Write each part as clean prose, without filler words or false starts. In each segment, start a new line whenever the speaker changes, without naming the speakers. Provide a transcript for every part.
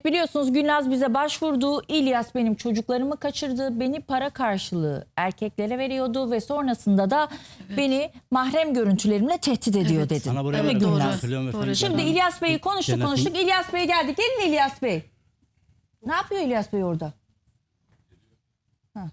Biliyorsunuz Gülnaz bize başvurdu. İlyas benim çocuklarımı kaçırdı. Beni para karşılığı erkeklere veriyordu ve sonrasında da beni mahrem görüntülerimle tehdit ediyor dedi.
Sana buraya
Değil mi
doğru.
Gülnaz?
Doğru.
Şimdi İlyas Bey'i konuştuk. İlyas Bey geldi. Gelin İlyas Bey. Ne yapıyor İlyas Bey orada? Ha.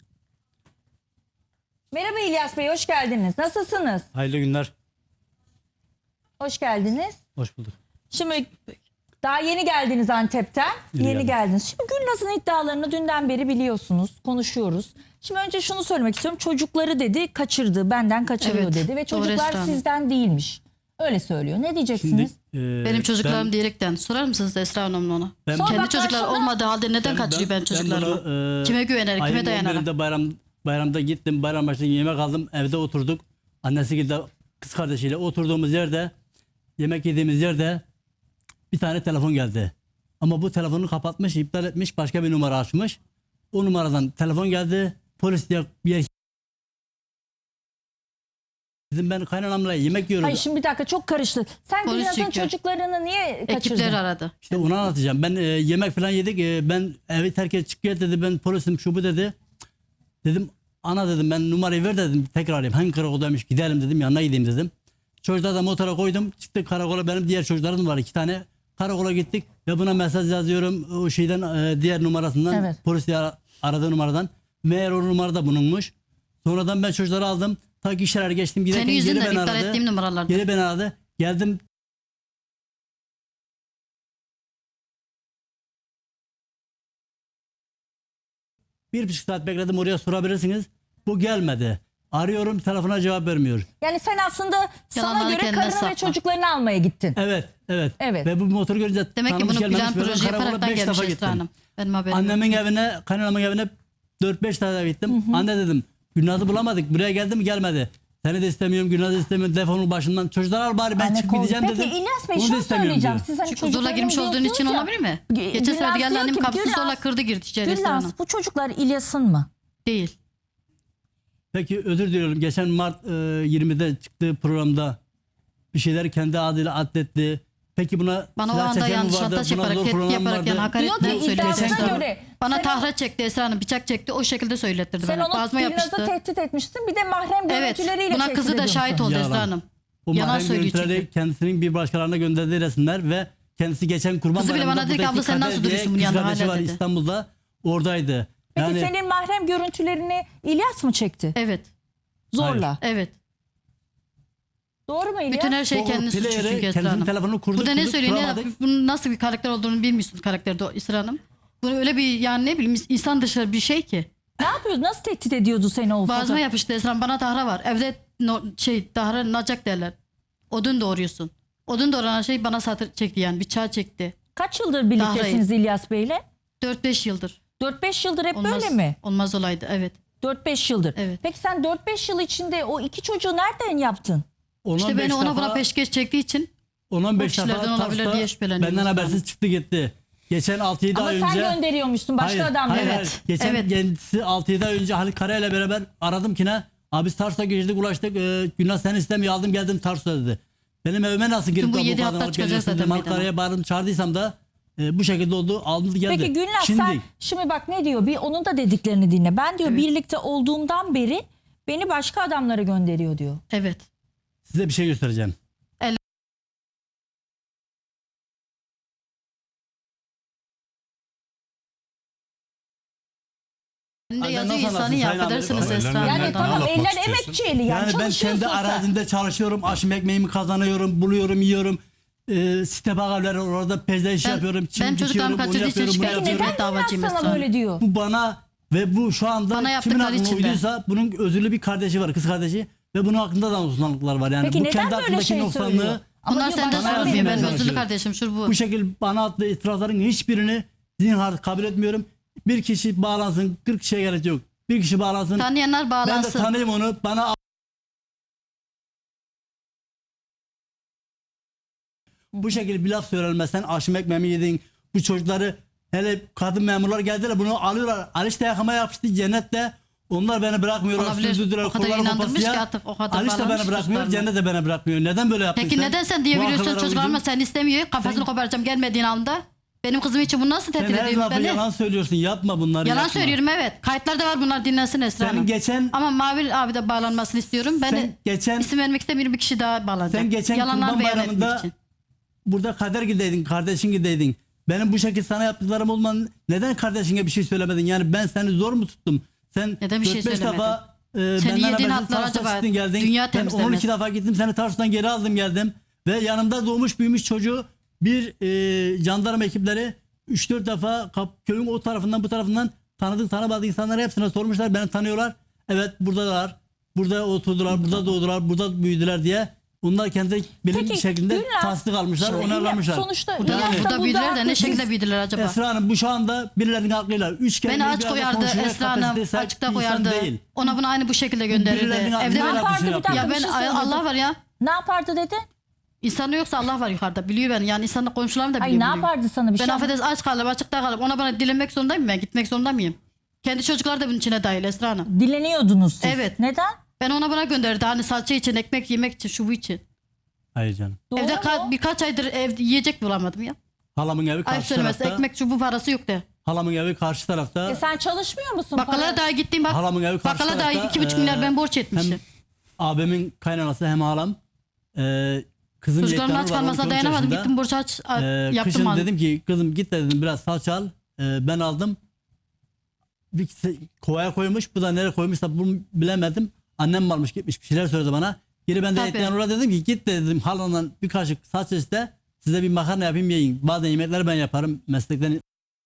Merhaba İlyas Bey, hoş geldiniz. Nasılsınız?
Hayırlı günler.
Hoş geldiniz.
Hoş bulduk.
Şimdi daha yeni geldiniz Antep'ten. Yeni
geldim.
geldiniz. Şimdi Gülnaz'ın iddialarını dünden beri biliyorsunuz, konuşuyoruz. Şimdi önce şunu söylemek istiyorum. Çocukları dedi kaçırdı, benden kaçırıyor
Evet,
dedi ve
doğru
çocuklar
Esra Hanım.
sizden değilmiş. Öyle söylüyor. Ne diyeceksiniz?
Benim çocuklarım diyerekten sorar mısınız Esra Hanım'la ona?
Ben-
Sonra
Kendi
bak
çocuklar
karşına-
olmadığı halde neden kaçırıyor ben çocuklarımı? Kime güvenerek, kime dayanarak?
Bayramda gittim. Bayram başında yemek aldım. Evde oturduk. Annesi gibi kız kardeşiyle oturduğumuz yerde, yemek yediğimiz yerde bir tane telefon geldi. Ama bu telefonu kapatmış, iptal etmiş, başka bir numara açmış. O numaradan telefon geldi. Polis diye bir yer. Dedim ben kaynanamla yemek yiyorum.
Hayır şimdi bir dakika çok karıştı. Sen
Polis
Gülnaz'ın
çekiyor.
çocuklarını niye kaçırdın?
Ekipler aradı.
İşte onu anlatacağım. Ben yemek falan yedik. Ben evi terk et çık gel dedi. Ben polisim şu bu dedi. Dedim ana dedim ben numarayı ver dedim. Tekrar arayayım. Hangi karakoldaymış gidelim dedim. Yanına gideyim dedim. Çocuklar da motora koydum. Çıktık karakola. Benim diğer çocuklarım var 2 tane. Karakola gittik. Ve buna mesaj yazıyorum. O şeyden diğer numarasından.
Evet.
Polis diye aradığı numaradan. Meğer o numarada bulunmuş. Sonradan ben çocukları aldım. Ta ki işler geçtim. Giderken
Senin
geri
yüzünden
beni
iptal
aradı.
ettiğim numaralarda.
Geri beni aradı. Geldim. Bir buçuk saat bekledim oraya sorabilirsiniz. Bu gelmedi. Arıyorum telefona cevap vermiyor.
Yani sen aslında sana
Yalanları
göre
kendine
karını ve
sakla.
çocuklarını almaya gittin.
Evet.
Evet.
Ve bu motoru görünce
Demek ki
tanımış
bunu plan
gelmemiş, ben
proje
karakola
yaparaktan
5
gelmiş
defa
Esra
gittim.
Hanım. Benim haberim
Annemin
yok.
evine, kaynanamın evine 4-5 tane gittim. Anne dedim Gülnaz'ı bulamadık. Buraya geldi mi gelmedi. Seni de istemiyorum, Gülnaz'ı istemiyorum. Defolun başından. Çocuklar al bari ben
Anne
çıkıp
kol-
gideceğim
Peki
dedim.
İlyas Bey
Onu da
şunu
istemiyorum
söyleyeceğim.
diyor.
Siz hani
Çünkü zorla
çocuklarını
girmiş olduğun
diyorsunuz
için
ya.
olabilir mi?
Gülnaz
Geçen sefer geldi
diyor
annem
ki,
kapısı
Gülnaz-
zorla kırdı girdi içeri Esra Hanım.
Gülnaz bu çocuklar İlyas'ın mı?
Değil.
Peki özür diliyorum. Geçen Mart 20'de çıktığı programda bir şeyler kendi adıyla adletti. Peki buna
Bana o
silah
anda
çeken mi
yanlış
vardı?
attaş
Buna
yaparak,
zor
tehdit
program
yaparak
vardı.
yani
Diyor
hakaretler
ki
söyledi
iddiasına
Esra Hanım.
göre
Bana
sen-
tahra çekti Esra Hanım, bıçak çekti, o şekilde söylettirdi
Sen
bana.
onu
Bazıma
Gülnaz'ı
yapıştı.
tehdit etmiştin. Bir de mahrem
Evet,
görüntüleriyle
buna
tehdit
kızı da
ediyorsun.
şahit oldu
Yalan.
Esra Hanım.
O
Yalan
mahrem
söylüyor
görüntüleri
çünkü.
kendisinin bir başkalarına gönderdiği resimler ve kendisi geçen kurban
Kızı bile
bayramında
bana dedi ki,
buradaki
abla sen
Kader
nasıl
diye
duruyorsun bunun
kız
yanında
kardeşi
hala
var
dedi.
İstanbul'da oradaydı.
Peki
Yani
senin mahrem görüntülerini İlyas mı çekti?
Evet,
Zorla.
evet.
Doğru mu İlyas?
Bütün her şey
o
kendi suçu
player'ı,
çünkü Esra
kendisinin
Hanım.
telefonunu kurduk.
Burada ne
kurduk,
söylüyor,
kuramadık.
bunun nasıl bir karakter olduğunu bilmiyorsunuz karakterde o Esra Hanım. Bunu öyle bir yani ne bileyim insan dışı bir şey ki.
Ne yapıyordu? Nasıl tehdit ediyordu seni o
Boğazıma
fotoğraf?
yapıştı Esra Hanım, bana tahra var. Evde tahra nacak derler. Odun doğuruyorsun. Odun doğranan şey bana satır çekti yani bıçağı çekti.
Kaç yıldır birliktesiniz İlyas Bey'le?
4-5 yıldır.
4-5 yıldır hep
Olmaz,
böyle mi?
Olmaz olaydı evet.
4-5 yıldır.
Evet.
Peki sen 4-5 yıl içinde o 2 çocuğu nereden yaptın?
10-15
İşte beni ona buna
defa-
peşkeş çektiği için
10-15
o kişilerden
defa
olabilir
Tars'ta
diye şüpheleniyorum
benden
Esra
habersiz
Hanım.
çıktı gitti. Geçen 6-7
Ama
ay
sen
önce.
gönderiyormuşsun başka adamlara.
Hayır,
Evet,
hayır. Geçen
evet.
kendisi 6-7 ay önce Halit Kara ile beraber aradım ki ne? Abi Tars'a geçtik ulaştık. Gülnaz seni istemiyor aldım geldim Tars'a dedi. Benim evime nasıl girip
bu
de
7
kadın
hafta
alıp
çıkacak
geliyorsun
zaten
dedim. Halit
meydana.
Kara'ya bağırdım çağırdıysam da bu şekilde oldu aldı geldi.
Peki Gülnaz
Şimdi,
sen şimdi bak ne diyor? Bir onun da dediklerini dinle. Ben diyor birlikte olduğumdan beri beni başka adamlara gönderiyor diyor.
evet.
size bir şey göstereceğim.
Ben de
Anne
yazıyor
nasıl
insanı
anlatsın?
ya
Sayın
affedersiniz
amirim.
Esra Hanım.
Yani
Nereden
tamam
anlatmak
eller
istiyorsun?
emek çiğli yani
Yani ben
çalışıyorsun
kendi
sen.
arazimde çalışıyorum. Aşım ekmeğimi kazanıyorum. Buluyorum yiyorum. Site bakarları orada pezde iş yapıyorum. Çim
ben çocuklarımı
dikiyorum, onu
kaçırdığı için
yapıyorum, bunu
şikayet
yapıyorum.
Neden
davacıyım
Gülnaz
Esra
sana
Hanım.
böyle diyor?
Bu bana ve bu şu anda
Bana
kimin
yaptıkları
aklına
için de.
uyduysa bunun özürlü bir kardeşi var, kız kardeşi ve bunun hakkında da noksanlıklar var. Yani
Peki
bu
neden
kendi
böyle
hakkındaki
şey
noksanlığı
söylüyor? Ama
Bunlar
diyor,
senden
bana
sorulmuyor.
vermiyor.
Ben
vermiyor.
özürlü kardeşim şu bu.
bu şekil bana attığı itirazların hiçbirini zinhar kabul etmiyorum. Bir kişi bağlansın, 40 kişiye gerek yok. Bir kişi bağlansın.
Tanıyanlar
Ben de
bağlansın.
tanıyayım onu. Bana bu şekilde bir laf söylenmezsen aşım ekmeğimi yedin. Bu çocukları hele kadın memurlar geldiler bunu alıyorlar. Aliş de yakama yapıştı cennette. Onlar beni bırakmıyorlar.
Olabilir.
Sürdürdüler.
O kadar
kolları
inandırmış
kopasıya.
ki artık o kadar
Aliş de
bağlanmış
beni bırakmıyor.
çocuklarına.
Cennet de beni bırakmıyor. Neden böyle yaptın
Peki
sen?
neden sen
Bu
diyebiliyorsun
akıllara
çocuklarıma
uydun.
sen istemiyor kafasını
Sen-
koparacağım gelmediğin anda? Benim kızım için bunu nasıl
Sen
tehdit
her
ediyorsun?
lafı
Ben de
yalan söylüyorsun. Yapma bunları.
yalan
yapma.
söylüyorum, evet. Kayıtlarda var, bunlar dinlensin Esra
Senin
Hanım.
geçen
Ama Mavi abi de bağlanmasını istiyorum. Ben
Sen
de
geçen-
isim vermek istemiyorum, bir kişi daha bağlanacak.
sen geçen
Yalanlar
Kurban
beyan etmek
Bayramı'nda
için.
burada kader gideydin, kardeşin gideydin. Benim bu şekilde sana yaptıklarım olman neden kardeşine bir şey söylemedin? Yani ben seni zor mu tuttum? Sen
Neden bir şey
4-5
söylemedin?
defa
Senin
benden
yediğin
habersiz
hatlar
Tarsus'a
acaba
çıktın geldin.
dünya
Ben
temizlemez.
12 defa gittim seni Tarsus'tan geri aldım geldim. Ve yanımda doğmuş büyümüş çocuğu bir jandarma ekipleri 3-4 defa köyün o tarafından bu tarafından tanıdık tanımadık insanlara hepsine sormuşlar. Beni tanıyorlar. Evet buradalar. Burada oturdular, burada doğdular, burada büyüdüler diye. Onlar kendi bilinç şeklinde
Gülnaz,
tasdik almışlar,
şimdi
onarlamışlar.
Sonuçta
Burada,
İlyas da
burada büyüdüler de ne
haklı.
şekilde büyüdüler acaba?
Esra Hanım bu şu anda birilerinin aklıyla 3 kere
Beni aç koyardı Esra Hanım, açıkta koyardı.
Değil.
Ona bunu aynı bu şekilde gönderirdi.
Birilerinin
Evde
aklıyla
Ne yapardı
yapmışını
bir dakika?
yapıyor.
ya
bir
ben
şey söyledim.
Allah var ya.
Ne yapardı dedi?
İnsanı yoksa Allah var yukarıda. Biliyor beni. Yani insanın komşularım da biliyor.
Ay ne
biliyor.
yapardı sana bir
Ben
şey?
affedersin aç kaldım, açıkta kaldım. Ona bana dilenmek zorundayım ben. Gitmek zorunda mıyım? Kendi çocuklar da bunun içine dahil Esra Hanım.
Dileniyordunuz siz.
Evet.
Neden?
Ben ona buna gönderdi. Hani salça için, ekmek yemek için, şu bu için.
Hayır canım.
Doğru
Evde
mu?
birkaç aydır evde yiyecek bulamadım ya.
Halamın evi
Ayıp
karşı
söylemesi.
tarafta.
Ekmek şu bu parası yok de.
Halamın evi karşı tarafta.
Sen çalışmıyor musun?
Bakkala
Para-
daha gittim bak.
Halamın evi karşı
Bakkala daha
tarafta,
2,5 milyar ben borç etmişim.
Hem abimin kaynanası hem halam. Kızım
Çocuklarımın
Yektanur
aç
var,
kalmasına
12
dayanamadım.
yaşında.
Gittim borç yaptım.
Kışın
aldım.
dedim ki kızım git dedim biraz salça al. Ben aldım. Bir kovaya koymuş. Bu da nereye koymuşsa bunu bilemedim. Annem varmış gitmiş bir şeyler söyledi bana. Geri ben de
Tabii.
Yektanur'a dedim ki git dedim halandan bir kaşık salça iste. Size bir makarna yapayım yiyin. Bazen yemekleri ben yaparım meslekten.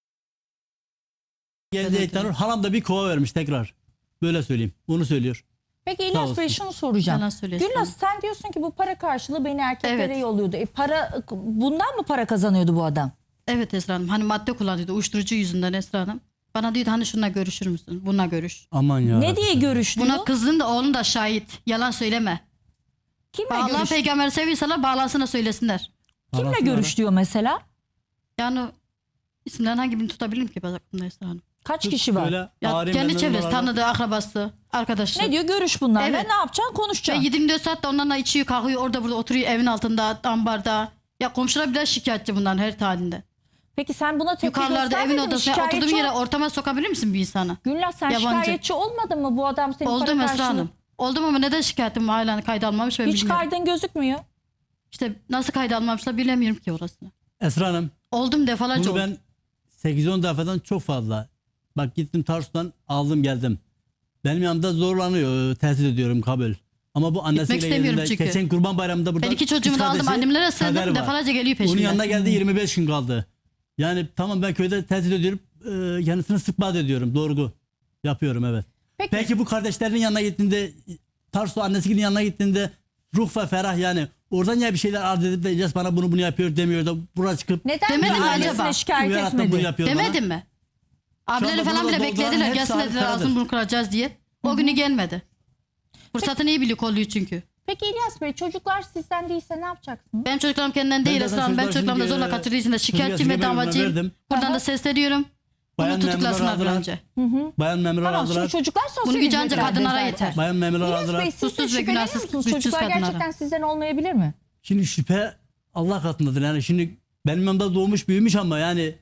Geldi
Evet,
Yektanur.
evet.
Halam da bir kova vermiş tekrar. Böyle söyleyeyim. Onu söylüyor.
Peki
Sağ
İlyas
olsun.
Bey şunu soracağım.
Yalan söylüyorsun.
Gülnaz sen diyorsun ki bu para karşılığı beni erkeklere
Evet.
yolluyordu. Bundan mı para kazanıyordu bu adam?
Evet Esra Hanım. Hani madde kullanıyordu. Uyuşturucu yüzünden Esra Hanım. Bana diyordu hani şununla görüşür müsün? Bununla görüş.
Aman ya.
Ne diye görüştüğü?
Buna kızın da oğlun da şahit. Yalan söyleme.
Kimle
Allah
görüş?
peygamberi seviyorsalar bağlansın söylesinler.
Kimle
Anasını
görüş diyor mesela?
Yani isimlerin hangi birini tutabilirim ki aklımda Esra Hanım?
Kaç kişi var?
Böyle
Ya
ağrı
kendi
memnun
çevresi,
olarak-
tanıdığı, akrabası, arkadaşı.
Ne diyor? Görüş bunlarla.
Evet.
Ne yapacaksın?
Ve
Konuşacaksın.
24 saat de onlarla içiyor, kalkıyor, orada burada oturuyor evin altında, ambarda. Ya komşular bile şikayetçi bundan her halinde.
Peki sen buna tepki
Yukarılarda
göstermedin
evin
mi?
odasına
Şikayetçi
oturduğum yere
ol-
ortama sokabilir misin bir insanı?
Gülnaz sen
Yabancı.
şikayetçi olmadın mı bu adam senin para
Oldum Esra
karşılığı?
Hanım. Oldum ama neden şikayetim hala kayda almamış ben
Hiç
bilmiyorum.
kaydın gözükmüyor.
İşte nasıl kayda almamışlar bilemiyorum ki orasını.
Esra Hanım.
Oldum defalarca
Bunu
oldum.
ben 8-10 defadan çok fazla. Bak gittim Tarsus'tan aldım geldim. Benim yanımda zorlanıyor. Tehdit ediyorum kabul. Ama bu annesiyle
istemiyorum
geldiğinde
çünkü.
geçen Kurban Bayramı'nda burada
Ben 2 çocuğumu
kız
da aldım,
kardeşi
annemlere
Kader
sığındım,
var.
defalarca geliyor
Onun yanına
peşimden.
geldi 25 gün kaldı. Yani tamam ben köyde tehdit ediyorum. Kendisini istikbal ediyorum. Doğru. Yapıyorum evet. Peki bu kardeşlerinin yanına gittiğinde Tarsus annesinin yanına gittiğinde ruh ve ferah yani oradan ya bir şeyler arz edip de İlyas bana bunu yapıyor demiyor da buraya çıkıp
Neden
Demedim
bir
mi
annesine
acaba?
şikayet
uyararak da bunu
etmedi?
yapıyor bana.
Demedim mi? Abileri
anda
falan
burada
bile
dolduran
beklediler.
hepsi
Gelsin dediler
arkadadır.
ağzını bunu kıracağız diye. O günü gelmedi. Fırsatını iyi biliyor, kolluyor çünkü.
Peki İlyas Bey çocuklar sizden değilse ne yapacaksınız?
Benim çocuklarım kendinden değil
zaten
Esra Hanım. Ben
çocuklar
çocuklarımı da
şimdi,
zorla kaçırdığı için de şikayetçiyim ve
çocuk yaşı
davacıyım.
verdim.
Buradan
Aha.
da sesleniyorum. Bunu
Bayan
tutuklasınlar bir
memurlar
önce.
Bayan memurlar
Tamam şimdi
aldılar.
çocuklar sosyal
Bunu gücü ancak
hizmetlerde
kadınlara
zaten.
yeter.
Bayan memurlar
İlyas
aldılar.
Bey siz de
Susuz ve
şüpheleniyor
günahsız,
musunuz?
güçsüz
Çocuklar
kadınlara.
gerçekten sizden olmayabilir mi?
Şimdi şüphe Allah katındadır. Yani şimdi benim yanımda doğmuş büyümüş ama yani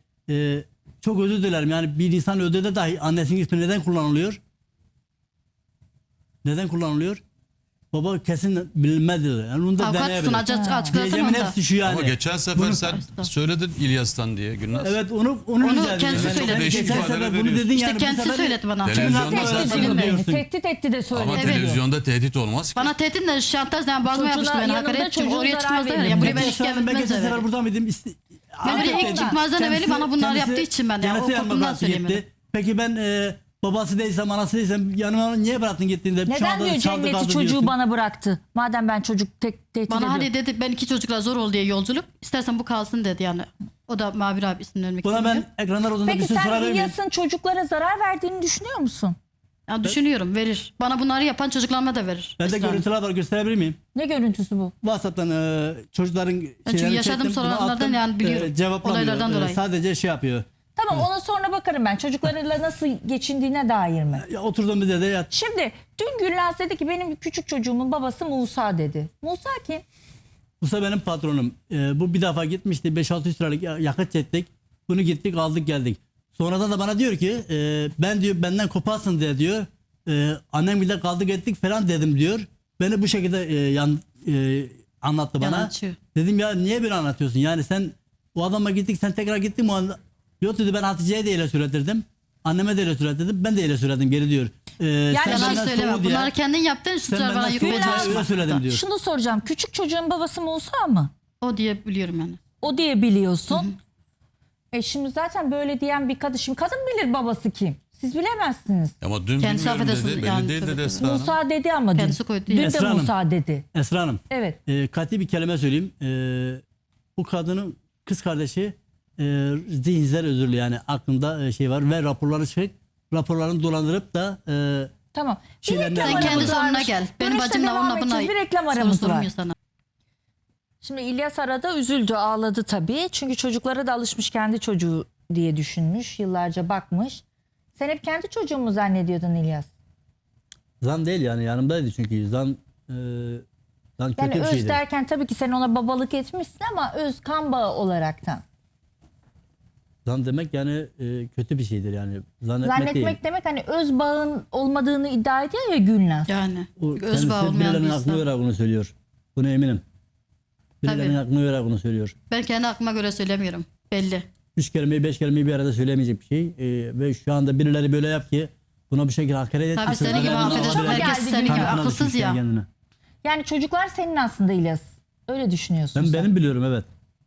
çok özür dilerim. Yani bir insan ödede dahi annesinin ismi neden kullanılıyor? Neden kullanılıyor? Baba kesin bilinmez dedi. Yani onu da
Avukat
deneyebilir.
tutun, açıklasın
Diyeceğimin
onu da.
hepsi şu yani.
Ama geçen sefer
Bunu-
sen söyledin İlyas'tan diye Gülnaz.
Evet onu rica
kendisi
ediyorum.
söyledi.
Geçen
Değişik
sefer
ifadeler
bunu
veriyorsun.
dedin
İşte
yani. bu
kendisi
sefer-
söyledi bana.
Televizyonda
Kimin
sen
hakkında
Tehdit
söylüyorsun.
diyorsun?
Tehdit etti de söyledi.
Ama
Evet.
televizyonda tehdit olmaz ki.
Bana tehditle şantaj yani bazıma
Çocuğuna
yapmıştı beni.
yanında
Hakaret çünkü
çocuğun
oraya
zarar
çıkmazlar
verir.
ya. Buraya
Ben
beni
geçen
şikayet
sefer
etmezler.
sefer burada mıydım?
Ben oraya ilk çıkmazdan evveli bana bunları yaptığı için ben ya, o korkumdan söyleyemedim.
Peki ben babası değilsem, anası değilsem yanıma niye bıraktın gittiğinde? Şu
Neden
anda
diyor
çaldı
cenneti
kaldı
çocuğu
diyorsun.
bana bıraktı? Madem ben çocuk tehdit
Bana
ediyorum.
hani dedi ben 2 çocukla zor ol diye yolculuk. İstersen bu kalsın dedi yani. O da Mavi abi ismini vermek
Buna
istemiyor.
ben ekranlar odasında
Peki
bir şey
sen
sorabilir miyim?
İlyas'ın çocuklara zarar verdiğini düşünüyor musun?
Yani düşünüyorum verir. Bana bunları yapan çocuklarıma da verir.
Bende
Esra Hanım.
görüntüler var gösterebilir miyim?
Ne görüntüsü bu?
WhatsApp'tan çocukların
çünkü
şeylerini
yaşadığım
çektim, bunu
sorunlardan
attım.
yani biliyorum.
Cevaplamıyor.
Olaylardan dolayı.
Sadece şey yapıyor.
Tamam ona sonra bakarım ben. Çocuklarıyla nasıl geçindiğine dair mi?
Ya, oturduğumuz yerde yat.
Şimdi dün Gülnaz dedi ki benim küçük çocuğumun babası Musa dedi. Musa kim?
Musa benim patronum. Bu bir defa gitmişti. 5-600 liralık yakıt çektik. Bunu gittik aldık geldik. Sonradan da bana diyor ki ben diyor benden koparsın diyor. Annem bile kaldık ettik falan dedim diyor. Beni bu şekilde anlattı bana.
Yalancı.
Dedim ya niye böyle anlatıyorsun? Yani sen o adama gittik sen tekrar gittin mi? Yok dedi ben Hatice'ye de öyle söyletirdim. Anneme de öyle söyletirdim. Ben de öyle söyledim geri diyor. Sen
Yalan
benden
söyleme.
soğu diye-
Bunları kendin yaptın.
sen
Suçlar bana
benden soğu diye
yüklemeye
öyle söyledim diyor.
Şunu soracağım. Küçük çocuğun babası Musa mı?
O diye biliyorum yani.
O diye biliyorsun. Şimdi zaten böyle diyen bir kadın. Şimdi kadın bilir babası kim. Siz bilemezsiniz.
Ama dün
Kendisi
bilmiyorum
affedersin,
dedi. Belli
yani
değil
tabii.
dedi Esra Hanım.
Musa dedi ama dün.
Kendisi koydu
Dün
ya.
de
Esra Hanım.
Musa dedi.
Esra Hanım.
Evet.
Katı bir kelime söyleyeyim. Bu kadının kız kardeşi zihinsel özürlü yani aklında şey var ve raporları çıkıp raporlarını dolandırıp da
Tamam. Bir
Şeyler
reklam
nereden
Sen
aramız
kendi
geliyor?
sorununa
varmış.
gel. Benim
Dönüşte
bacımla
devam
onunla buna
edeceğiz. Bir reklam
soru
aramız var.
sorulmuyor sana.
Şimdi İlyas arada üzüldü, ağladı tabii. Çünkü çocuklara da alışmış, kendi çocuğu diye düşünmüş. Yıllarca bakmış. Sen hep kendi çocuğun mu zannediyordun İlyas?
zan değil yani yanımdaydı çünkü zan kötü
Yani
bir
öz
şeydi.
derken tabii ki sen ona babalık etmişsin ama öz kan bağı olaraktan.
Zan demek yani kötü bir şeydir yani. Zannetmek,
Zannetmek
değil.
demek hani öz bağın olmadığını iddia ediyor ya Gülnaz.
Yani.
O
Öz
kendisi
bağı olmayan bir
birilerinin aklına
insan.
göre bunu söylüyor. Buna eminim. Birilerinin
Tabii.
aklına göre bunu söylüyor.
Ben kendi aklıma göre söylemiyorum. Belli.
3 kelimeyi 5 kelimeyi bir arada söyleyemeyecek bir şey. Ve şu anda birileri böyle yap ki buna bir şekilde hakaret et.
Tabii senin gibi
Birilerinin
affedersin.
aklına
Herkes
geldi
senin gibi
Gülnaz.
Kankana
akılsız
düşmüş
ya.
kendine.
Yani çocuklar senin aslında İlyas. Öyle düşünüyorsun sen.
Benim biliyorum evet.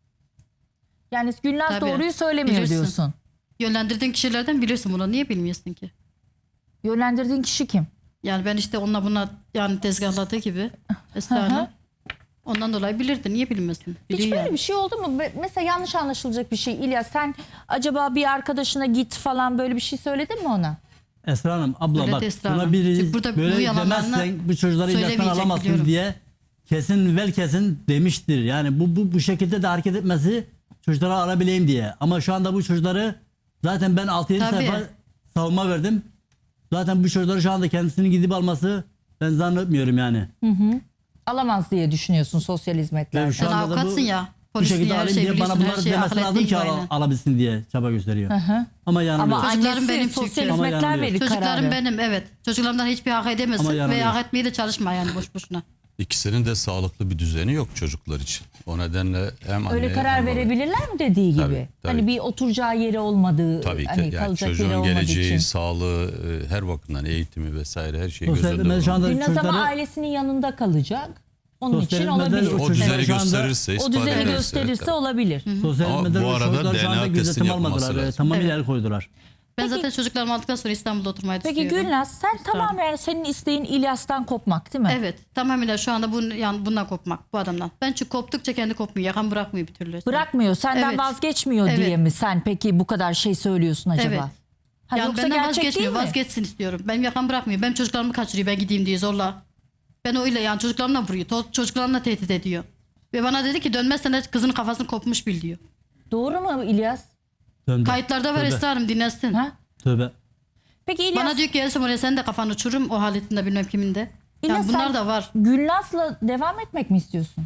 Yani Gülnaz
Tabii.
doğruyu söylemiyor
Bilirsin.
diyorsun.
Yönlendirdiğin kişilerden bilirsin bunu. Niye bilmiyorsun ki?
Yönlendirdiğin kişi kim?
Yani ben işte onunla buna yani tezgahladığı gibi Esra Hanım. Ondan dolayı bilirdi. Niye bilmesin?
Hiç
Biliyor
böyle
yani.
bir şey oldu mu? Mesela yanlış anlaşılacak bir şey. İlyas sen acaba bir arkadaşına git falan böyle bir şey söyledin mi ona?
Esra Hanım abla
Öyle
bak
de Esra
buna
Hanım.
biri
Çünkü burada bu
böyle
yalanlarını
demezsen bu çocukları ilaktan
söylemeyecek
alamazsın
biliyorum.
diye kesin vel kesin demiştir. Yani bu şekilde de hareket etmesi çocukları alabileyim diye. Ama şu anda bu çocukları zaten ben 6-7
Tabii.
sayfa savunma verdim. Zaten bu çocukları şu anda kendisini gidip alması ben zannetmiyorum yani.
Alamaz diye düşünüyorsun sosyal hizmetlerden.
Ve şu
Sen
anda da
avukatsın ya.
Bu
Polissin
şekilde
ya. Her
alayım
şeyi
diye bana
biliyorsun. Her
bunları
şeyi
demesi
akıl
lazım
ettiğin
ki
gibi aynen.
alabilsin diye çaba gösteriyor. Ama yanılıyor.
Ama
Çocuklarım
annesi
benim
sosyal
çünkü.
Ama
hizmetler
yanılıyor.
verir
Çocuklarım
kararı.
benim evet. Çocuklarımdan hiçbir hak
Ama
edemezsin ve
yanılıyor.
hak etmeyi de çalışma yani boş boşuna.
İkisinin de sağlıklı bir düzeni yok çocuklar için. O nedenle hem
Öyle
anneye
karar
hem babaya-
verebilirler mi dediği gibi?
Tabii, tabii.
Hani bir oturacağı yeri olmadığı,
Tabii ki.
hani
Yani
kalacak yeri
çocuğun
olmadığı
geleceği,
için.
sağlığı, her bakımdan eğitimi vesaire her şeyi göz
Sosyal
önünde
medya şu anda
bulunduruyor.
Gülnaz ama
çocukları-
ailesinin yanında kalacak. Onun
Sosyal
için
medyada
olabilir.
o
O
çocuklar
düzeni
şu anda-
gösterirse,
O
ispat
düzeni
ederse,
gösterirse
evet.
olabilir.
Sosyal
Ama
medyada
bu arada
çocuklar şu anda
DNA
gözetim
testini yapılması
almadılar.
lazım.
Tamamıyla
Evet.
el koydular.
Ben zaten çocuklarımı aldıktan sonra İstanbul'da oturmayı
Peki
düşünüyorum.
Gülnaz sen tamamen senin isteğin İlyas'tan kopmak değil mi?
Evet tamamıyla şu anda yani bundan kopmak bu adamdan. Ben çünkü koptukça kendi kopmuyor. Yakan bırakmıyor bir türlü.
Bırakmıyor, senden
Evet.
vazgeçmiyor
Evet.
diye mi sen peki bu kadar şey söylüyorsun acaba?
Evet.
Ha,
Yani
yoksa
benden
gerçek değil
vazgeçmiyor.
mi?
Vazgeçsin istiyorum. Benim yakan bırakmıyor. Benim çocuklarımı kaçırıyor ben gideyim diye zorla. Ben öyle yani çocuklarımla vuruyor. Çocuklarımla tehdit ediyor. Ve bana dedi ki dönmezsen de kızının kafasını kopmuş bil diyor.
Doğru mu İlyas?
Döndü.
Kayıtlarda var
Tövbe.
Esra Hanım dinlesin.
Ha?
Tövbe.
Peki İlyas,
Bana diyor ki Elsem oraya sen de kafanı uçururum o haletinde bilmem kiminde.
İlyas
Yani bunlar
sen
da var.
Gülnaz'la devam etmek mi istiyorsun?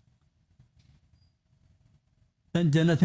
Ben cennetin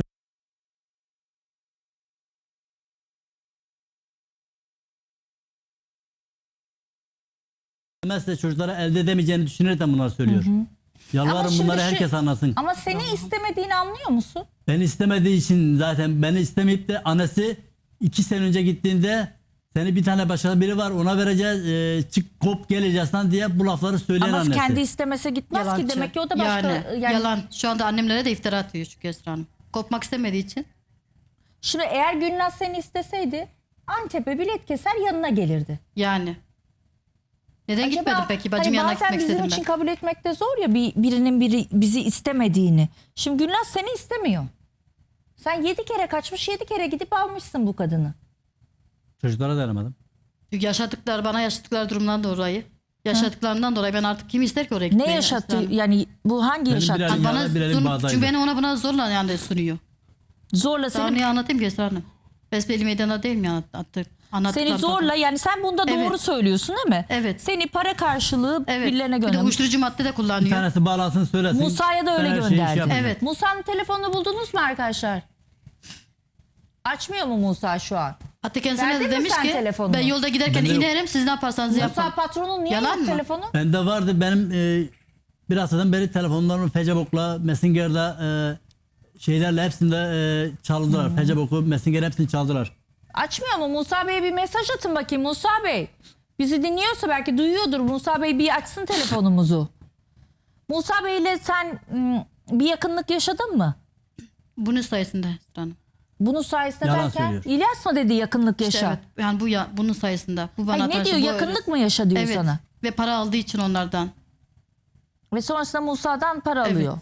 demezse çocuklara elde edemeyeceğini düşünerek bunlar söylüyor.
Ama
Yalvarırım
şimdi
bunları
şu-
herkes anlasın.
Ama seni istemediğini anlıyor musun?
Beni istemediği için zaten beni istemeyip de annesi 2 sene önce gittiğinde seni bir tane başka biri var ona vereceğiz çık kop geleceğiz lan diye bu lafları söyleyen
Ama
annesi.
kendi istemese gitmez ki
Yalancı.
demek ki o da başka yani,
Yalan. Şu anda annemlere de iftira atıyor çünkü Esra Hanım. Kopmak istemediği için.
Şimdi eğer Gülnaz seni isteseydi Antep'e bilet keser yanına gelirdi.
Yani. Neden
Acaba,
gitmedim peki? Bacım
hani
yanına
bazen
gitmek
bizim
istedim
için
ben.
kabul etmek de zor ya birinin bizi istemediğini. Şimdi Gülnaz seni istemiyor. Sen 7 kere kaçmış 7 kere gidip almışsın bu kadını.
Çocuklara dayanamadım.
Çünkü bana yaşadıkları durumdan dolayı. Yaşadıklarından dolayı ben artık kim ister ki oraya gitmeyi?
Ne
Esra
yaşattı
Hanım?
yani bu hangi
Benim
yaşattı?
bir
Bana
Yani bir elim bağdaydı.
çünkü beni ona buna zorla yani sunuyor.
Zorla
Daha
seni
niye anlatayım ki Esra Hanım? Besbelli meydana değil mi anlattıklar?
seni zorla yani sen bunda doğru
Evet.
söylüyorsun değil mi?
Evet.
Seni para karşılığı
Evet.
birilerine
Bir de
göndermiş.
uyuşturucu madde de
Bir
kullanıyor.
tanesi bağlansın söylesin.
Musa'ya da öyle
Ben her şeyi
gönderdi.
yapmayacağım.
Evet.
Musa'nın telefonunu buldunuz mu arkadaşlar? Açmıyor mu Musa şu an?
Hatta kendisine
Verdin
de
mi
demiş
sen
ki
telefonunu?
ben yolda giderken
Ben de yok.
inerim siz ne yaparsanız yapın.
Musa patronun niye
Yalan
yok
mı?
telefonu?
Bende vardı benim bir haftadan beri telefonlarımı Facebook'la, Messenger'da şeylerle hepsinde çaldılar. Facebook'u, Messenger hepsini çaldılar.
Açmıyor mu? Musa Bey'e bir mesaj atın bakayım Musa Bey. Bizi dinliyorsa belki duyuyordur. Musa Bey bir açsın telefonumuzu. Musa Bey'le sen bir yakınlık yaşadın mı?
Bunun sayesinde Esra Hanım.
Bunun sayesinde
Yalan
derken
söylüyor.
İlyas mı dedi yakınlık
İşte
yaşa?
evet, yani bunun sayesinde. Bu bana
Hayır, ne
karşı
diyor
bu
yakınlık
öyle.
mı yaşa diyor
Evet.
sana?
Ve para aldığı için onlardan.
Ve sonrasında Musa'dan para
Evet.
alıyor.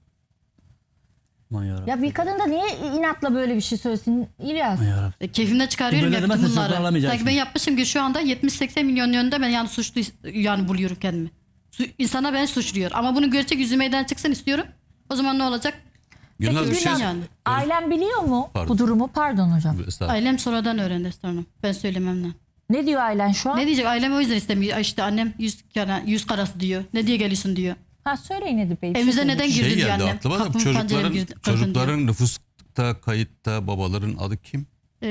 Aman yarabbim.
Ya bir kadın da niye inatla böyle bir şey söylesin İlyas?
Aman yarabbim.
Keyfimde çıkarıyorum
Böyle
yaptım
demezsen çok
bunları.
ağlamayacaksın.
Sanki ben yapmışım ki şu anda 70-80 milyon yönünde ben yani suçlu yani buluyorum kendimi. İnsana ben suçluyor. Ama bunun gerçek yüzü meydana çıksın istiyorum. O zaman ne olacak?
Gülnaz bir şey
Gülnaz,
yani.
ailen biliyor mu
Pardon.
bu durumu? Pardon hocam.
Estağfurullah.
Ailem sonradan öğrendi Esra Hanım. Ben söylememle.
Ne diyor ailen şu an?
Ne diyecek? Ailem o yüzden istemiyor. İşte annem yüz karası diyor. Ne diye geliyorsun diyor.
Ha söyleyin Edip Bey. bir şey
Evimize
söyleyin.
neden girdin
Şey
diyor
geldi
annem.
aklıma da
Kapımı penceremi kırdın diyor.
çocukların nüfusta kayıtta babaların adı kim?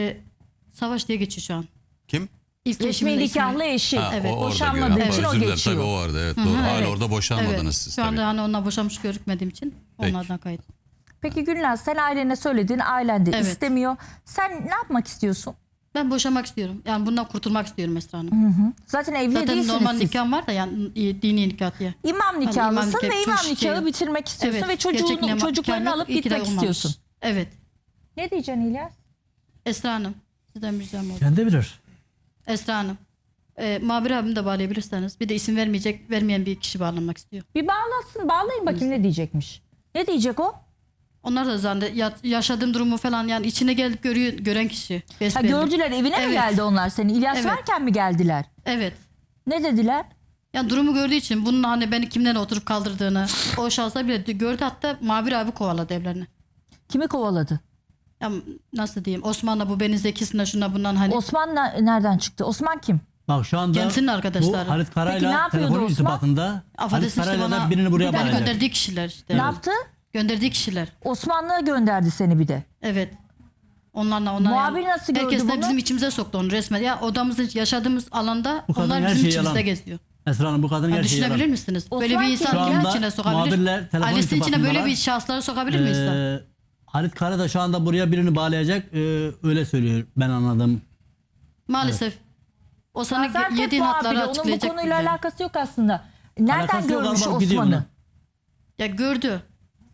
Savaş diye geçiyor şu an.
Kim?
İlk
Resmi
eşimin ismi.
nikahlı eşi.
Ha,
Evet.
o orada
Boşanmadığı
görüyorum.
için o
Özür dilerim.
geçiyor.
Tabii o vardı, evet doğru. Hala
evet.
orada boşanmadınız
Evet.
siz
Şu anda
tabii.
hani onunla boşanmış görükmediğim için
Peki.
onlardan kayıt.
Peki Gülnaz sen ailene söyledin. Ailen de
Evet.
istemiyor. Sen ne yapmak istiyorsun?
Ben boşamak istiyorum. Yani bundan kurtulmak istiyorum Esra Hanım.
Zaten evli
Zaten
değilsiniz
normal
siz.
nikahım var da yani dini nikah diye.
İmam nikahlısın
nikah-
ve imam
çok
nikahı
şey-
bitirmek istiyorsun ve
gerçek nikah-
çocuklarını
nikah
alıp
yok, iyi ki de
gitmek
olmamış.
istiyorsun.
Evet.
Ne diyeceksin İlyas?
Esra Hanım. Sizden bir ricam oldu.
Kendi bilir.
Esra Hanım. Mabir abimi de bağlayabilirseniz. Bir de isim vermeyen bir kişi bağlanmak istiyor.
Bir bağlasın, bağlayın bakayım ne diyecekmiş. Ne diyecek o?
Onlar da zannediyor yaşadığım durumu falan yani içine gelip gören kişi.
Ha,
Besbelli.
gördüler evine mi
Evet.
geldi onlar seni? İlyas
Evet.
varken mi geldiler?
Evet.
Ne dediler?
Yani durumu gördüğü için bunun hani beni kimden oturup kaldırdığını o şahsa bile gördü, hatta Mabir abi kovaladı evlerini.
Kimi kovaladı?
Ya nasıl diyeyim, Osman'la bu Beni Zekisi'ne şuna bundan hani
Osman nereden çıktı? Osman kim?
Bak şu anda
Kendisinin arkadaşları.
bu Halit
Peki ne
Kara'yla
yapıyordu
telefon
Osman?
irtibatında Halit
affedersin işte
Kara'yla da
bana
birini buraya
beni
bağlayacak.
gönderdiği kişiler işte.
Ne yaptı?
Gönderdiği kişiler.
Osmanlı'ya gönderdi seni bir de.
Evet. Onlarla
Muhabir nasıl gördü
herkes de
bunu?
bizim içimize soktu onu resmen. Ya odamızın yaşadığımız alanda
Bu kadın
onlar
her
bizim
şey
içimizde
yalan.
geziyor.
Esra Hanım bu kadın
Yani
her şeyi
düşünebilir
yalan.
misiniz?
Osman
Böyle bir
kim?
insan
Şu
kimin
anda
içine sokabilir?
muhabirle telefon
Ailesinin içine böyle
irtibatındalar.
bir şahısları sokabilir mi insan?
Halit Kara da şu anda buraya birini bağlayacak. Öyle söylüyor ben anladım.
Maalesef. O sana
Gaziantep
yediğin
muhabiri,
hatları
onun bu
açıklayacak.
konuyla
bize.
alakası yok aslında. Nereden
Alakası yok,
görmüş
galiba gidiyor
Osman'ı?
Ya gördü.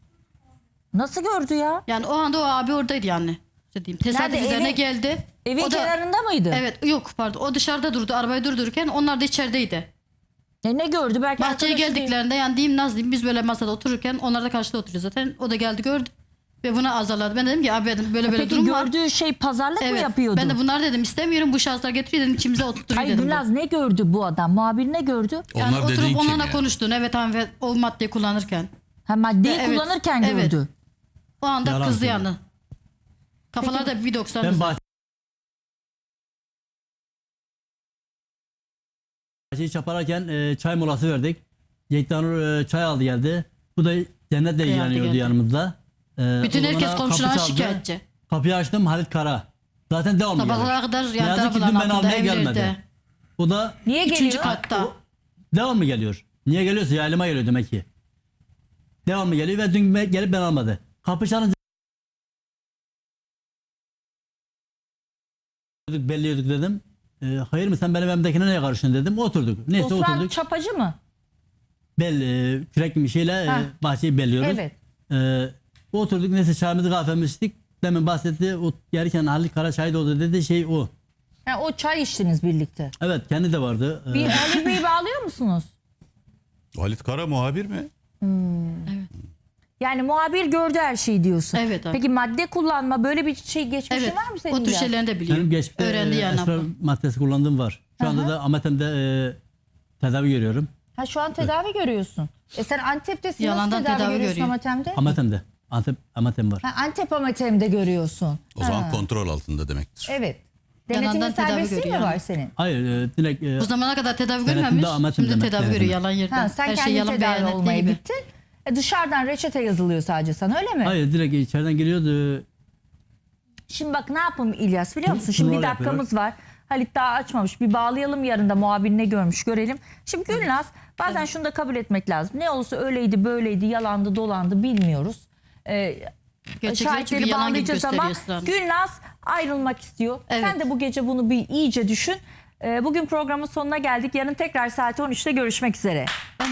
Nasıl gördü ya?
Yani o anda o abi oradaydı yani. İşte diyeyim. Tesadüf
Nerede?
üzerine
Evin-
geldi.
Evin
O da-
kenarında mıydı?
Evet yok pardon. O dışarıda durdu. Arabayı durdururken onlar da içerideydi.
Ne gördü? Belki
Bahçeye
arkadaşı değil.
geldiklerinde yani diyeyim Naz diyeyim biz böyle masada otururken onlar da karşıda oturuyor zaten. O da geldi gördü. Ve buna azarladı. Ben dedim ki abi dedim, böyle
Peki
durum var.
gördüğü şey pazarlık mı
Evet.
yapıyordu?
Ben de bunlar dedim istemiyorum, bu şahıslar getiriyor dedim, içimize oturtuyor
Hayır
dedim.
Gülnaz ne gördü bu adam? Muhabir ne gördü?
Yani
Onlar dediğin
oturup
kim
onlarla
ya?
konuştuğunu, evet tamam, ve o maddeyi kullanırken.
Ha, maddeyi
Evet,
kullanırken
evet.
gördü.
O anda
Yalan
kızdı
söylüyor.
yani. Kafalar da bir 90
Ben bahçeyi çaparken çay molası verdik. Yektanur çay aldı geldi. Bu da cennetle ilgileniyordu
geldi.
yanımızda.
bütün
O da
herkes
bana
komşularına
kapı çaldı.
şikayetçi.
Kapıyı açtım Halit Kara. Zaten devamlı
Sabahlara
gelir.
kadar
Ne
yani
yazık ki dün
tarafından
beni
altında
almaya gelmedi.
evlerde.
O da
Niye
Üçüncü
geliyor?
katta.
devamlı geliyor. Niye geliyorsa yaylıma geliyor demek ki. Devamlı geliyor ve dün gelip beni almadı. Kapı çalınca belliyorduk dedim. Hayır mı sen benim evimdekine neye karışıyorsun dedim. Oturduk. Neyse
Osman
oturduk.
çapacı mı?
Kürek bir şeyle
Ha.
bahçeyi belliyoruz.
Evet.
Oturduk neyse çayımızı kahvemizi içtik. Demin bahsetti. O gelirken Halit Kara şahit oldu dedi şey o.
Ha, o çay içtiniz birlikte.
Evet kendi de vardı.
Bir Ali Bey'i bağlıyor musunuz?
Halit Kara muhabir mi?
Yani muhabir gördü her şeyi diyorsun.
Evet, abi.
Peki madde kullanma böyle bir şey geçmişin
Evet.
var mı senin?
O tür
İlyas?
şeylerini de biliyor.
Benim geçmişte
Öğrendi yani.
esrar maddesi kullandığım var. Şu anda da Ametem'de tedavi görüyorum.
Ha şu an tedavi görüyorsun. Sen Antep'tesin.
Yalandan
Nasıl tedavi
tedavi
görüyorsun
görüyor.
Amatem'de?
Ametem'de. Ametem var.
Ha, Antep Amatem'de görüyorsun.
O zaman kontrol altında demektir.
Evet.
Yalandan
Denetimin
tedavi
serbestliği mi
görüyor
var
yani.
senin?
Hayır direkt
Bu zamana kadar tedavi
Denetimde
görmemiş.
amatem
Şimdi
demek,
tedavi
denetimde.
görüyor yalan yerden.
Ha, sen
Her
kendi
şey yalan
tedavi
beyan ettiği
olmaya
gibi.
gittin. Dışarıdan reçete yazılıyor sadece sana öyle mi?
hayır direkt içeriden geliyordu.
Şimdi bak ne yapalım İlyas biliyor musun? Şimdi bir
Numara
dakikamız var. Halit daha açmamış. Bir bağlayalım yarın da muhabir ne görmüş görelim. Şimdi Gülnaz bazen şunu da kabul etmek lazım. Ne olursa öyleydi böyleydi yalandı dolandı bilmiyoruz.
Gerçekler çünkü
Şahitleri
yalan gibi
bağlayacağız ama
gösteriyor Esra Hanım.
Gülnaz ayrılmak istiyor.
Evet.
Sen de bu gece bunu bir iyice düşün. Bugün programın sonuna geldik. Yarın tekrar saat 13'te görüşmek üzere.